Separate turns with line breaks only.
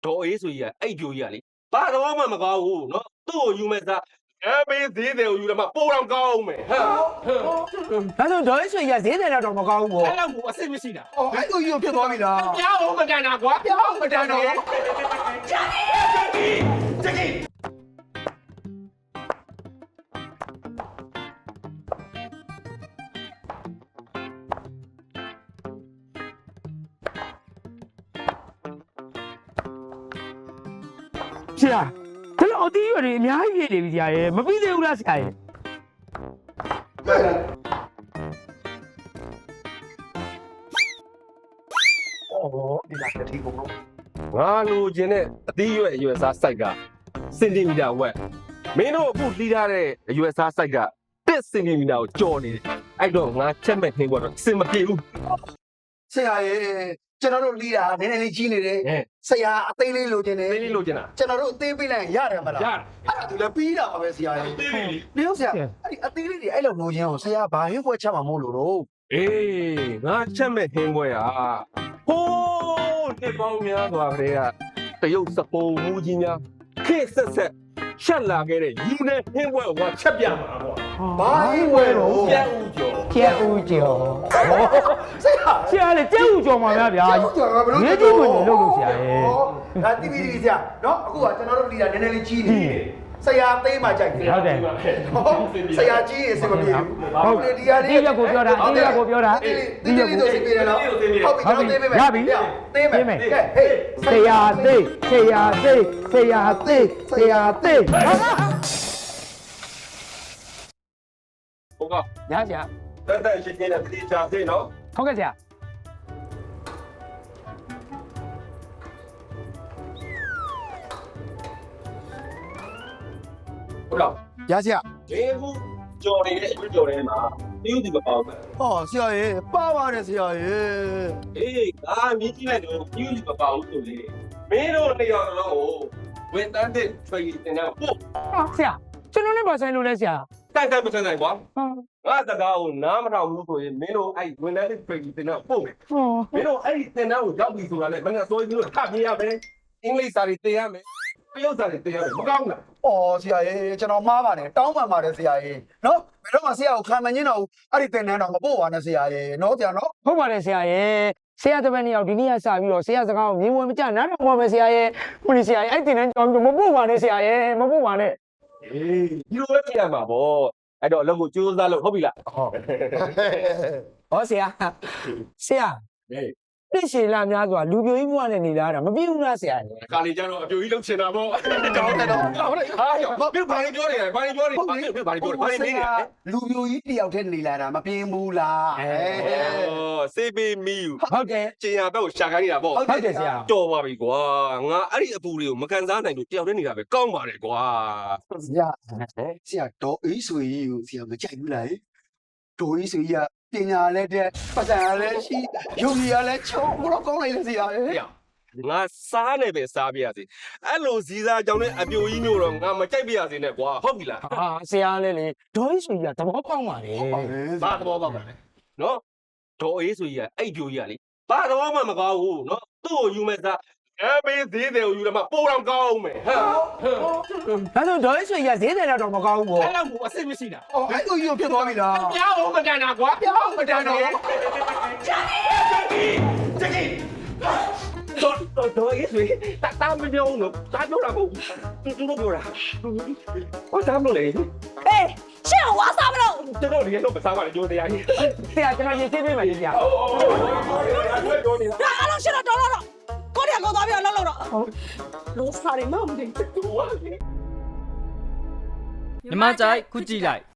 ဒေါ်အေးဆိုကြီးကအဲ့ပြိုကြီးကလေဘာတော့မှမကောင်းဘူးနော်သူ့ကိုယူမဲ့စားပေးသေးတယ်ကိုယူတယ်မှပိုတော့ကောင်းမယ်ဟမ်
ဒါဆိုဒေါ်ဆွေရဈေးတယ်တော့မကောင်းဘူးပေါ့
အဲ့လောက်ကိုအစစ်မရှိတာ
အော်အဲ့ကိုကြီးဖြစ်သွားပြီလား
ပြောင်းအောင်မတန်တာကွာပြောင်းအောင်မတန်တော့ဂျာကြီး
ဆရာဒါတော့အတီးရွယ်တွေအများကြီးပြည့်နေပြီဆရာရေမပြီးသေးဘူးလားဆရာရေ
ဒီလာတစ်ထီကုန်တော့
ငါလိုချင်တဲ့အသီးရွယ်စားစိုက်ကစင်တီမီတာဝက်မင်းတို့အခုလှီးထားတဲ့အရွယ်စားစိုက်က1စင်တီမီတာကိုကျော်နေတယ်အဲ့တော့ငါချက်မဲ့ခင်းတော့စင်မပြေဘူး
ဆရာရေကျွန်တော်တို့လီးတာနည်းနည်းလေးကြီးနေတယ်ဆရာအသေးလေးလိုချင်တယ်
သိလေးလိုချင်တာ
ကျွန်တော်တို့အသေးပေးလိုက်ရတယ်မလား
ရတယ်
အဲ့ဒါသူလည်းပြီးတာပါပဲဆရာရေ
သိလေး
ဒီဥစ္စာအဲ့ဒီအသေးလေးတွေအဲ့လိုလိုချင်အောင်ဆရာဘာဟင်းပွဲချက်မှာမို့လို့တော့
အေးငါချက်မဲ့ခင်းပွဲอ่ะဟိုးဒီပေါင်းများစွာကလေးကတရုတ်စပုံမူကြီးများခေတ်ဆက်ဆက်ရှက်လာခဲ့တဲ့ယူနေခင်းပွဲကိုငါချက်ပြမှာပေါ့
ဘာဟင်းပွဲတော့
ကျက်ဦးကျော်
ကျဲဦးကျော်
ဆရာ
ဆရာလေကျဲဦးကျော်မှာများဗျာ
ကျော်ကဘလို့
ရေးကြည့်ဝင်နေလို့ဆရာရေ
ဒါတိပိတိဆရာနော်အခုကကျွန်တော်တို့လီးတာနည်းနည်းလေးကြီးနေတယ်ဆရာသေးမှကြိုက်တယ်
ဟုတ်တယ်
ဆရာကြီးရေစင်မပြေဘူးဟုတ်တယ်ဒီဟာလေး
ဒီရက်ကိုပြောတာဒီရက်ကိုပြောတာ
ဒီလေးတို့စင်ပြေတယ်နော်ဟုတ်ပြီကျွန်တော်သေးပေးမယ်
ရပြီ
သေးမယ်ကဲဟေး
ဆရာသိဆရာသိဆရာသိဆရာသိ
ဟုတ်က
ရဆရာ
တက်ရှင်းရှင်းနဲ့တိကျသေးနော်
ဟုတ်ကဲ့ဆရာ
ဟုတ်လား
ရဆရာ
ဒီခုကြော်နေတဲ့အကျွကြော်ထဲမှာတရုတ်ဒီမပေါက်ဘူး
ဟောဆရာရေပါပါတယ်ဆရာရေ
အေးငါမြင်ကြည့်လိုက်တော့တရုတ်ဒီမပေါက်ဘူးဆိုလေမင်းတို့နေရာလုံးကိုဝန်တန်းတဲ့ training တင်တာပို့
ဆရာကျွန်တော်နဲ့ပါဆိုင်လို့လဲဆရာ
တိုက်မဆန်းနိုင်ကွာ
ဟော
ငါစကားကိုနားမထောင်ဘူးဆိုရင်မင်းတို့အဲ့ဝန်တန်းတဲ့ training တင်တာပို့မယ်မင်းတို့အဲ့ဒီတင်တာကိုရောက်ပြီဆိုတာလေမင်းကစိုးပြီးတော့ထပ်ပြရမယ်အင်္ဂလိပ်စာတွေတင်ရမယ်တရုတ်စာတွေတင်ရမယ်မကောင်းလား
အော်ဆရာရေကျွန်တော်မှားပါတယ်တောင်းပန်ပါတယ်ဆရာရေနော်ဘယ်တော့မှဆရာကိုခံမငင်းတော့ဘူးအဲ့ဒီတင်တန်းတော့မပို့ပါနဲ့ဆရာရေနော်ဆရာနော်
ဟုတ်ပါတယ်ဆရာရေဆရာတပည့်နှစ်ယောက်ဒီနေ့ကစပြီးတော့ဆရာစကားကိုမြင်ဝင်မကြနားထောင်ပါမယ်ဆရာရေခုနေဆရာရေအဲ့တင်တန်းကြောင်းမပို့ပါနဲ့ဆရာရေမပို့ပါနဲ့
အေးဒီလိုပဲပြရမှာပေါ့အဲ့တော့အလုပ်ကိုကြိုးစားလို့ဟုတ်ပြီလား
ဟုတ်
ဟောဆရာဆရာ
ဟေး
ပြည့်ရှည်လာများစွာလူပြိုကြီးဘဝနဲ့နေလာတာမပြည့်ဘူးလားဆရာရေ
ခါလေးကျတော့အပြိုကြီးလှုပ်ချင်တာပေါ့ကောင်းတယ်တော့ဟုတ်တယ်ဟာရောမင်းဘာလို့ပြောနေလဲဘာလို့ပြောနေလဲဘာလို့ပြောနေလဲဘာလို့နေလဲ
လူမျိုးကြီးတယောက်တည်းနေလာတာမပြင်းဘူးလား
စေးပေးမီယူ
ဟုတ်တယ်
ကျင်ရဘက်ကိုရှာခိုင်းနေတာပေါ့
ဟုတ်တယ်ဆရာ
တော်ပါပြီကွာငါအဲ့ဒီအပူတွေကိုမကန်စားနိုင်လို့တယောက်တည်းနေတာပဲကောင်းပါတယ်ကွာ
ဆရာဆရာဒေါ်အေးဆွေကြီးကိုဆရာမကြိုက်ဘူးလားဒေါ်အေးဆွေကြီးကပညာလည်းတဲ့ပတ်စံလည်းရှိယုံကြည်ရလည်းချုံဘလို့ကောင်းလိုက်လေဆရာရေ
ငါစားနေပဲစားပြရစီအဲ့လိုဇီးစားကြောင်းနဲ့အပြိုကြီးမျိုးတော့ငါမကြိုက်ပြရစီနဲ့ကွာဟုတ်ပြီလား
ဟာဆရာလည်းလေဒေါ်ကြီးဆိုကြီးကသဘောပေါက်ပါလေ
ဘာသဘောပေါက်ပါလဲနော်ဒေါ်အေးဆိုကြီးကအဲ့ပြိုကြီးကလေဘာသဘောမှမကောင်းဘူးနော်သူ့ကိုယူမဲ့စားပေးသေးတယ်ကိုယူတယ်မှပိုတော့ကောင်းမယ်ဟမ်
ဒါဆိုဒေါ်ကြီးဆိုကြီးကဈေးတယ်တော့မကောင်းဘူးပေါ့
အဲ့လောက်ကိုအစစ်မရှိတာ
အော်အဲ့ကိုကြီးဖြစ်သွားပြီလား
ပြောင်းအောင်မတန်တာကွာပြောင်းအောင်မတန်တော့ဂျာကြီးတော့ရေးဆွေတာမပြောင်းလို့တာပြောတာမဟုတ်သူတို့ပြောတာဟောတာမလို့လေ
အေးရှင့်ဝါစားမလို့
ကျွန်တော်ဒီတော့မစားပါနဲ့ကြိုးတရားကြီး
ဆရာကျွန်တော်ရေးသေးပေးမယ်ဆရာ
ဒါအားလုံးရှင့်တော့တော်ကိုရီးယားကိုသွားပြီးတော့လှုပ်တော့လုံးစားရမမသိဘူး
မြမကြိုက်ခုကြည့်လိုက်